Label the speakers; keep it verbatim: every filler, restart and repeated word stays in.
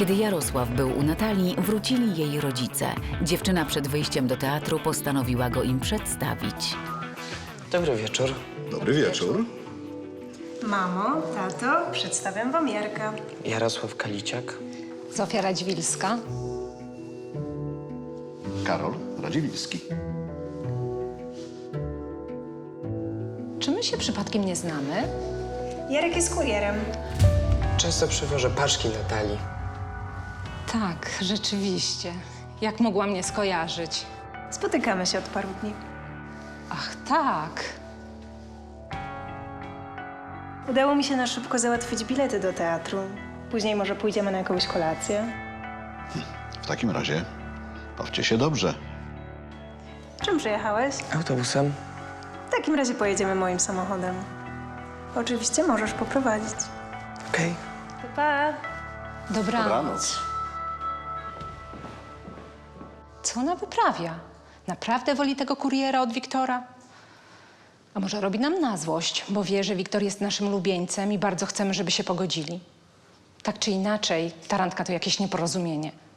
Speaker 1: Kiedy Jarosław był u Natalii, wrócili jej rodzice. Dziewczyna przed wyjściem do teatru postanowiła go im przedstawić.
Speaker 2: Dobry wieczór.
Speaker 3: Dobry wieczór.
Speaker 4: Mamo, tato, przedstawiam wam Jarka.
Speaker 2: Jarosław Kaliciak.
Speaker 5: Zofia Radziwilska.
Speaker 3: Karol Radziwiłski.
Speaker 5: Czy my się przypadkiem nie znamy?
Speaker 4: Jarek jest kurierem.
Speaker 2: Często przywożę paczki Natalii.
Speaker 5: Tak, rzeczywiście. Jak mogła mnie skojarzyć?
Speaker 4: Spotykamy się od paru dni.
Speaker 5: Ach, tak.
Speaker 4: Udało mi się na szybko załatwić bilety do teatru. Później może pójdziemy na jakąś kolację.
Speaker 3: W takim razie bawcie się dobrze.
Speaker 4: Czym przyjechałeś?
Speaker 2: Autobusem.
Speaker 4: W takim razie pojedziemy moim samochodem. Oczywiście możesz poprowadzić.
Speaker 2: Okej.
Speaker 4: Pa, pa.
Speaker 5: Dobranoc.
Speaker 3: Dobranoc.
Speaker 5: Co ona wyprawia? Naprawdę woli tego kuriera od Wiktora? A może robi nam na złość, bo wie, że Wiktor jest naszym lubieńcem i bardzo chcemy, żeby się pogodzili. Tak czy inaczej, ta randka to jakieś nieporozumienie.